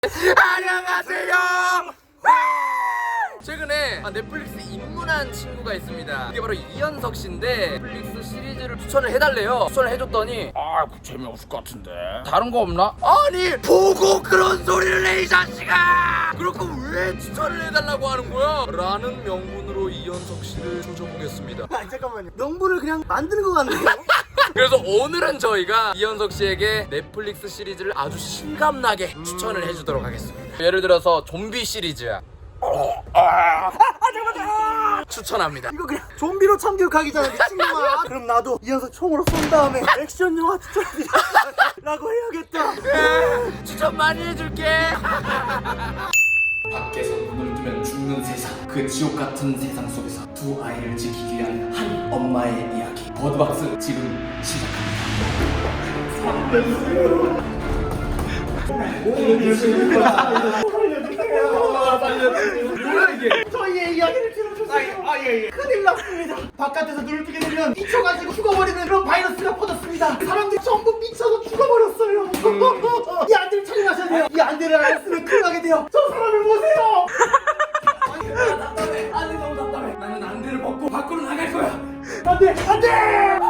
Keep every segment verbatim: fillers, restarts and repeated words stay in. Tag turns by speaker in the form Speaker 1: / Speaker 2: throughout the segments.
Speaker 1: 안녕하세요. 최근에 넷플릭스 입문한 친구가 있습니다. 이게 바로 이현석 씨인데 넷플릭스 시리즈를 추천을 해달래요. 추천을 해줬더니 아 재미없을 것 같은데 다른 거 없나? 아니 보고 그런 소리를 해 이 자식아! 그렇고 왜 추천을 해달라고 하는 거야? 라는 명분으로 이현석 씨를 조져보겠습니다.
Speaker 2: 아 잠깐만요. 명분을 그냥 만드는 것 같네요.
Speaker 1: 그래서 오늘은 저희가 이현석 씨에게 넷플릭스 시리즈를 아주 실감나게 음... 추천을 해주도록 하겠습니다. 예를 들어서 좀비 시리즈야. 어, 아, 아, 잠깐만. 추천합니다.
Speaker 2: 이거 그냥 좀비로 참교육하기잖아 미친놈아. 그럼 나도 이현석 총으로 쏜 다음에 액션 영화 추천합니다 라고 해야겠다.
Speaker 1: 네, 추천 많이 해줄게. 밖에서 눈을 뜨면 죽는 세상, 그 지옥 같은 세상 속에서 두 아이를 지키기 위한 한 엄마의 이야기. 버드박스 지금 시작합니다.
Speaker 2: 뭐야 이게? 저희의 이야기를 들어주세요. 아예예. 큰일 났습니다. 바깥에서 눈을 뜨게 되면 미쳐가지고 죽어버리는 그런 바이러스가 퍼졌습니다. 사람들이 전부 미쳐서 죽어버렸어요. 음. 이 안대를 착용하셔야 돼요. 이 안대를 안 쓰면 큰일 나게 돼요. 저 사람을 보세요.
Speaker 1: 아니 나 답답해. 안돼 너무 답답해. 나는 안대를 벗고 밖으로 나갈 거야.
Speaker 2: 안돼 안돼.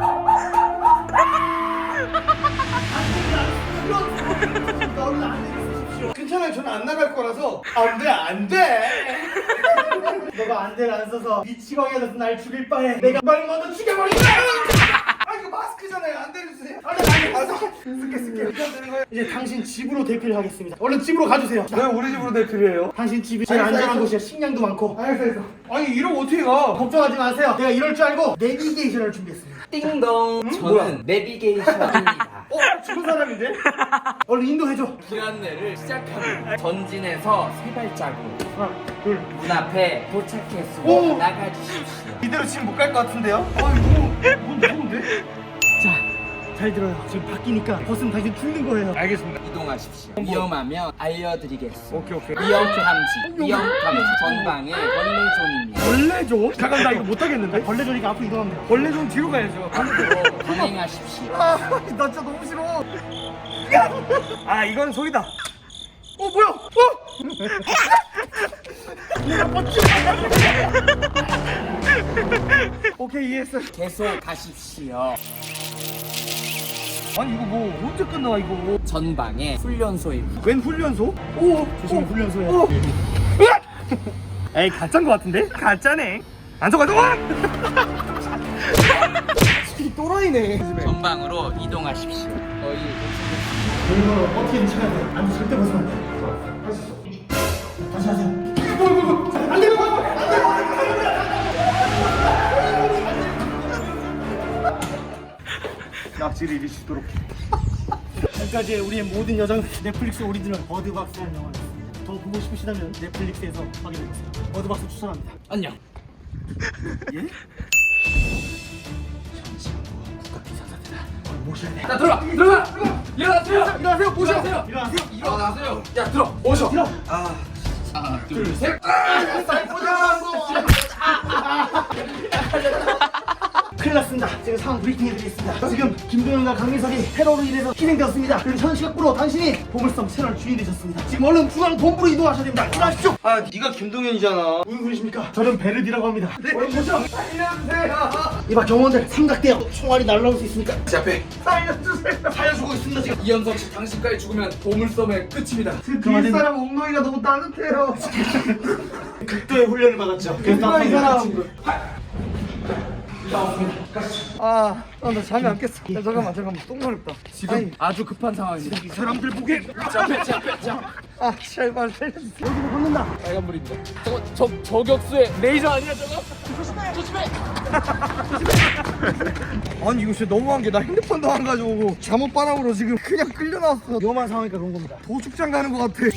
Speaker 2: 너는 안돼 쓰십시오. 괜찮아요. 저는 안 나갈 거라서. 안돼 안돼. 너가 안대를 안 써서 미치광이가 돼서 날 죽일 바에 내가 말 먼저 죽여버린다. 아 이거 마스크잖아요. 안대를 주세요. 안돼 안돼. 쓸게 쓸게. 이제 당신 집으로 대피를 하겠습니다. 얼른 집으로 가주세요.
Speaker 3: 왜 우리 집으로 대피를 해요?
Speaker 2: 당신 집이 제일 안전한 곳이야. 식량도 많고.
Speaker 3: 알겠어 알겠어. 아니 이러면 어떻게 가?
Speaker 2: 걱정하지 마세요. 내가 이럴 줄 알고 내비게이션을 준비했습니다.
Speaker 4: 띵동. 응? 저는 뭐야? 내비게이션입니다.
Speaker 2: 어? 죽은 사람인데? 얼른 인도해줘.
Speaker 4: 길 안내를 시작합니다. 전진해서 세 발자국.
Speaker 2: 하나 둘.
Speaker 4: 문 앞에 도착했으니
Speaker 2: 오!
Speaker 4: 나가주십시오.
Speaker 3: 이대로 지금 못 갈 것 같은데요? 아 이거 너무 무서운데?
Speaker 2: 자, 잘 들어요. 지금 바뀌니까 벗으면 당신 죽는 거예요.
Speaker 3: 알겠습니다.
Speaker 4: 이동하십시오. 위험하면 알려드리겠습니다.
Speaker 3: 오케이 오케이.
Speaker 4: 위험 탐지, 위험 탐지 전방에 벌레존입니다.
Speaker 3: 벌레존? 잠깐 나 이거 못 하겠는데?
Speaker 2: 벌레조니까 앞으로 이동합니다.
Speaker 3: 벌레존 뒤로 가야죠.
Speaker 4: 앞으로 진행하십시오.
Speaker 3: 아, 나 진짜 너무 싫어. 아 이건 소리다. 어 뭐야? 어? 내가 멋지. 오케이 이해했어.
Speaker 4: 계속 가십시오.
Speaker 3: 아니 이거 뭐 언제 끝나 이거?
Speaker 4: 전방에 훈련소입니다.
Speaker 3: 웬 훈련소? 오
Speaker 2: 조심히 훈련소야.
Speaker 3: 오. 에이 가짜인 것 같은데? 가짜네. 안 속아도 와!
Speaker 2: 이 또라이네.
Speaker 4: 전방으로 이동하십시오. 거의
Speaker 2: 이거 어떻게든 쳐야 돼. 안 돼, 절대 벗으면 안 돼. 할 수 있어. 다시 하세요. 안 돼, 안 돼.
Speaker 3: 낙지를 이리 주도록 해.
Speaker 2: 지금까지 우리의 모든 여정 넷플릭스 오리지널 버드박스라는 영화였습니다. 더 보고 싶으시다면 넷플릭스에서 확인해보세요. 버드박스 추천합니다.
Speaker 4: 안녕.
Speaker 2: 예? 모셔야 돼.
Speaker 1: 자 들어가 들어가 일어나세요.
Speaker 2: 일어나세요. 모셔.
Speaker 1: 일어나세요.
Speaker 2: 일어나세요.
Speaker 1: 일어나세요. 야 들어 오셔.
Speaker 2: 일어.
Speaker 1: 하나 둘 셋.
Speaker 2: 큰일 났습니다. 지금 상황 브리핑 해드리겠습니다. 지금 김도현과 강민석이 테러로 인해서 희생되었습니다. 그리고 현 시각부로 당신이 보물섬 채널 주인이 되셨습니다. 지금 얼른 중앙 본부로 이동하셔야 됩니다. 일어나십시오.
Speaker 3: 아 네가 김동현이잖아.
Speaker 2: 무슨 소리십니까? 저는 베르디라고 합니다.
Speaker 3: 네. 얼른 모셔. 살려주세요.
Speaker 2: 이봐 경호원들 삼각대요. 총알이 날라올 수 있으니까
Speaker 1: 제 앞에
Speaker 3: 살려주세요.
Speaker 2: 살려주고 있습니다 지금.
Speaker 1: 이현석 씨 당신까지 죽으면 보물섬의 끝입니다.
Speaker 3: 그 뒤에 사람 엉덩이가 너무 따뜻해요.
Speaker 2: 극도의 훈련을 받았죠. 그래서
Speaker 3: 누가 이 사람?
Speaker 2: 같이
Speaker 3: 아, 아, 나 잠이 안 깼어. 야, 잠깐만, 잠깐만, 똥 마렵다.
Speaker 1: 지금
Speaker 3: 아니,
Speaker 1: 아주 급한 상황입니다.
Speaker 3: 사람들 보게.
Speaker 1: 제 앞에 제 앞에 제 앞에.
Speaker 3: 아, 제발 살려주세요.
Speaker 2: 여기로 붙는다.
Speaker 1: 빨간불입니다. 저거 저 저격수의 레이저 아니야 저거?
Speaker 3: 아니 이거 진짜 너무한 게 나 핸드폰도 안 가져오고 잠옷 바람으로 지금 그냥 끌려 나왔어.
Speaker 2: 위험한 상황이니까 그런 겁니다.
Speaker 3: 도축장 가는 것 같아.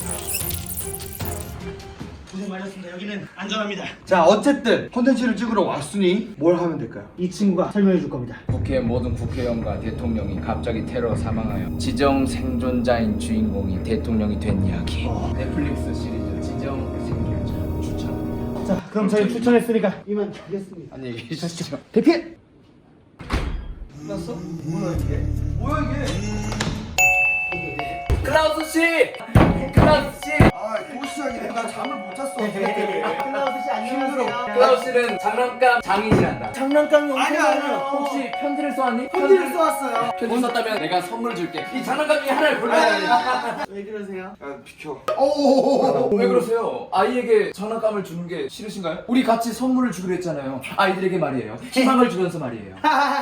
Speaker 2: 고생 많으셨습니다. 여기는 안전합니다.
Speaker 3: 자, 어쨌든 콘텐츠를 찍으러 왔으니 뭘 하면 될까요?
Speaker 2: 이 친구가 설명해 줄 겁니다.
Speaker 4: 국회 모든 국회의원과 대통령이 갑자기 테러 사망하여 지정 생존자인 주인공이 대통령이 된 이야기.
Speaker 2: 어.
Speaker 4: 넷플릭스 시리즈 지정 생존자 추천.
Speaker 2: 자, 그럼 저희 추천했으니까 이만 가겠습니다.
Speaker 4: 안녕히 계십시오.
Speaker 2: 대피!
Speaker 3: 끝났어? 뭐야 이게? 뭐야 이게?
Speaker 1: 클라우스 씨 클라우스 씨.
Speaker 2: 아, 또 시작이네. 나 잠을 못 잤어.
Speaker 3: 클라우스 씨 안녕하세요.
Speaker 1: 클라우스 씨는 장난감 장인이란다.
Speaker 3: 장난감이 엄청
Speaker 2: 아니야, 아니야.
Speaker 3: 많아요.
Speaker 1: 혹시 편지를 써왔니?
Speaker 3: 편지를 써왔어요.
Speaker 1: 편지 썼다면 내가 선물 줄게. 이 장난감 중에 하나를 골라야 돼.
Speaker 3: 왜 그러세요?
Speaker 2: 야, 비켜. 오.
Speaker 1: 왜 그러세요? 아이에게 장난감을 주는 게 싫으신가요? 우리 같이 선물을 주기로 했잖아요. 아이들에게 말이에요. 희망을 주면서 말이에요.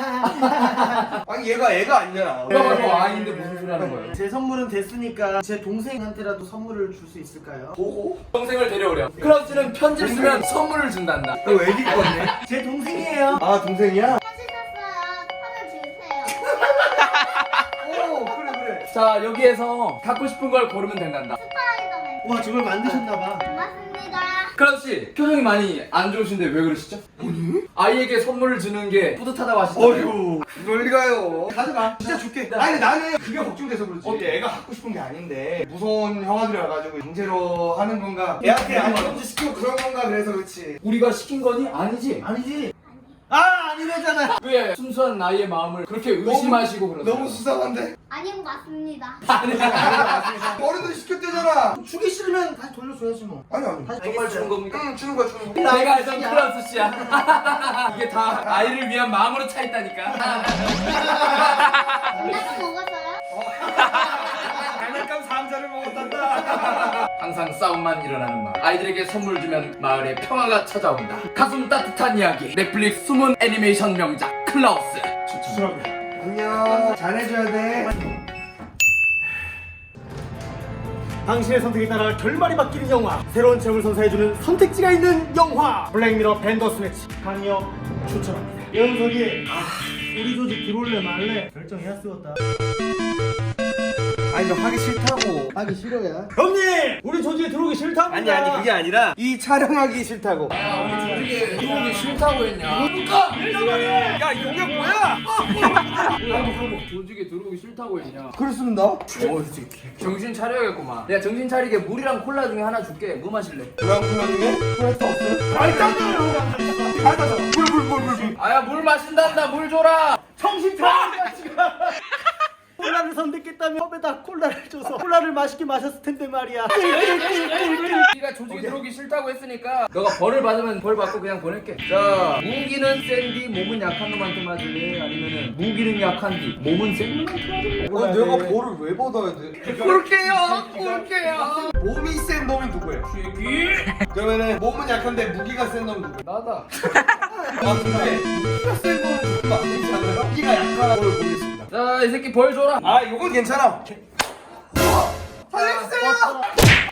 Speaker 2: 아니 얘가 애가 아니잖아.
Speaker 1: 누가 봐도 아이인데 무슨 소리 하는 거예요?
Speaker 3: 제 선물은 됐으니까 제 동생한테라도 선물을 줄 수 있을까요?
Speaker 2: 보고?
Speaker 1: 동생을 데려오렴. 클라우스는 편지를 쓰면 선물을 준단다.
Speaker 2: 너 애기 건데?
Speaker 3: 제 동생이에요.
Speaker 2: 아, 동생이야?
Speaker 5: 편지 썼어요. 하나 주세요.
Speaker 2: 오, 그래 그래.
Speaker 1: 자, 여기에서 갖고 싶은 걸 고르면 된단다.
Speaker 5: 스파이더맨.
Speaker 3: 와 저걸 만드셨나봐.
Speaker 5: 고맙습니다.
Speaker 1: 클라우스 씨, 표정이 많이 안 좋으신데 왜 그러시죠? 아이에게 선물을 주는 게 뿌듯하다고 하시잖아요.
Speaker 2: 어휴, 그럴 리가요. 가져가. 진짜 줄게. 아니 나는 그게 걱정돼서 그렇지. 어때? 애가 갖고 싶은 게 아닌데 무서운 형아들이 와가지고 강제로 하는 건가? 애한테 안정지 시키고 그런 건가? 그래서 그렇지.
Speaker 1: 우리가 시킨 거니? 아니지?
Speaker 3: 아니지? 아 아니래잖아.
Speaker 1: 왜 순수한 나이의 마음을 그렇게 의심하시고 그러세요?
Speaker 2: 너무 수상한데?
Speaker 5: 아니고 맞습니다.
Speaker 2: 어른들 시켰대잖아.
Speaker 3: 주기 싫으면 다시 돌려줘야지 뭐.
Speaker 2: 아니 아니.
Speaker 3: 다시
Speaker 1: 정말 주는 겁니까?
Speaker 2: 응, 주는 거야 주는 거.
Speaker 1: 내가 알던 클라우스 씨야. 이게 다 아이를 위한 마음으로 차 있다니까.
Speaker 5: 장난감 먹었어요?
Speaker 2: 장난감 상자를 먹었단다.
Speaker 1: 항상 싸움만 일어나는 마을. 아이들에게 선물 주면 마을에 평화가 찾아온다. 가슴 따뜻한 이야기. 넷플릭스 숨은 애니메이션 명작 클라우스.
Speaker 3: 추천합니다.
Speaker 2: 안녕. 잘해줘야 돼.
Speaker 3: 당신의 선택에 따라 결말이 바뀌는 영화, 새로운 체험을 선사해주는 선택지가 있는 영화 블랙미러 밴더스매치 강력 추천합니다. 연석이 우리 조직 들어올래 말래 결정해야 쓰였다.
Speaker 2: 아니 너 하기 싫다고.
Speaker 3: 하기 싫어야. 형님 우리 조직에 들어오기 싫답니다.
Speaker 2: 아니 아니 그게 아니라 이 촬영하기 싫다고.
Speaker 1: 야, 우리 조직에 들어오기 싫다고 했냐? 그러니까!
Speaker 2: 야 이게 뭐야?
Speaker 1: 조직에 들어오기 싫다고 했냐?
Speaker 2: 그렇습니다.
Speaker 1: 어, 정신 차려야겠구만. 내가 정신 차리게 물이랑 콜라 중에 하나 줄게. 뭐 마실래?
Speaker 2: 뭐야 콜라 중에? 콜라도 없어요? 아니 딴데요. 알았어. 물물물 물 물.
Speaker 1: 아야, 물 마신단다. 물 줘라.
Speaker 3: 정신 차려 지금. 콜라를 선택했다면 컵에다 콜라를 줘서 콜라를 맛있게 마셨을 텐데 말이야.
Speaker 1: 네가 조직에 들어오기 싫다고 했으니까 너가 벌을 받으면 벌 받고 그냥 보낼게. 자, 무기는 센디 몸은 약한 놈한테 맞을래? 아니면은 무기는 약한 뒤 몸은 센 놈한테 맞을래?
Speaker 2: 아, 내가 볼을 왜 받아야 돼?
Speaker 1: 볼게요. 볼게요.
Speaker 2: 몸이 센 놈이 누구예요? 그러면은 몸은 약한데 무기가 센 놈 누구예요?
Speaker 1: 나다.
Speaker 2: 아 근데 무기가 센 놈은 누구가 안 되지 않아요? 무기가 약한 걸 보겠습니다.
Speaker 1: 자, 이 새끼 벌 줘라.
Speaker 2: 아 이건 괜찮아. 살려주세요.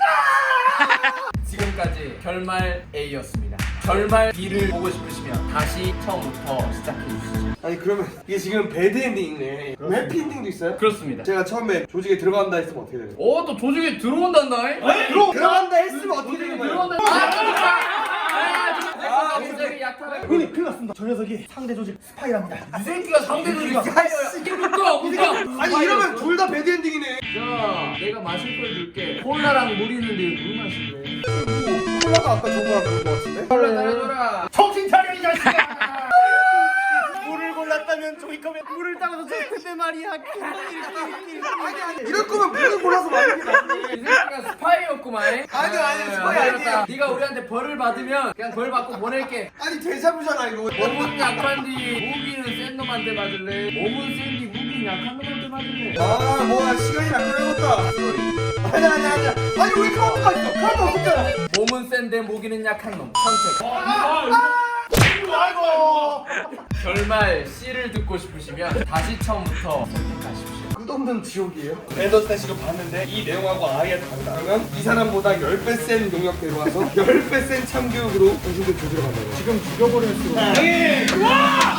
Speaker 1: 지금까지 결말 A였습니다. 결말 B를 보고 싶으시면 다시 처음부터 시작해 주시죠.
Speaker 2: 아니 그러면 이게 지금 배드 엔딩이네. 그럼 해피 엔딩도 있어요?
Speaker 1: 그렇습니다.
Speaker 2: 제가 처음에 조직에 들어간다 했으면 어떻게 돼요?
Speaker 1: 오, 또 조직에 들어온단다.
Speaker 2: 들어 들어간다 했으면 어떻게 되는 거예요?
Speaker 1: 들어온다. 아, 들어온다. 아, 조직이 약하다.
Speaker 3: 형님 큰일 났습니다. 저 녀석이 상대 조직 스파이랍니다.
Speaker 1: 이 새끼가 상대적인 스파이어야. 누가 누가?
Speaker 2: 아니 이러면 둘 다 배드 엔딩이네.
Speaker 1: 자, 내가 마실 걸 줄게. 콜라랑 물 있는데 물 마실래?
Speaker 2: 콜라가 아까 저거랑 그런 거 같은데?
Speaker 1: 콜라 따라줘라.
Speaker 3: 정신 차려 이 자식아. 물을 골랐다면 종이컵에 물을 따라서 줬을 텐데 말이야.
Speaker 2: 아니 아니 이럴 거면 물을 골라서 마는 게 낫지.
Speaker 1: 이 새끼가 스파이였구만.
Speaker 2: 아니, 아니, 스파이 아니에요.
Speaker 1: 네가 우리한테 벌을 받으면 그냥 벌 받고 보낼게.
Speaker 2: 아니 데자부잖아 이거.
Speaker 1: 몸은 약한 뒤 무기는 센 놈한테 맞을래? 몸은 센 뒤 무기는 약한 놈한테 맞을래?
Speaker 2: 아 뭐야 시간이 안 걸렸다. 아니 아니 아니 아니 왜 카운트가 있어? 카운트 없었잖아.
Speaker 1: 몸은 센데 무기는 약한 놈 선택.
Speaker 2: 아이고.
Speaker 1: 결말 C를 듣고 싶으시면 다시 처음부터 선택하십시오.
Speaker 2: 끝없는 지옥이에요? 밴더스매치로 봤는데 이 내용하고 아예 다르다. 그러면 이 사람보다 십 배 센 능력 데려와서 십 배 센 참교육으로 당신들 조지러 간다고.
Speaker 3: 지금 죽여버릴 수가.
Speaker 2: 와!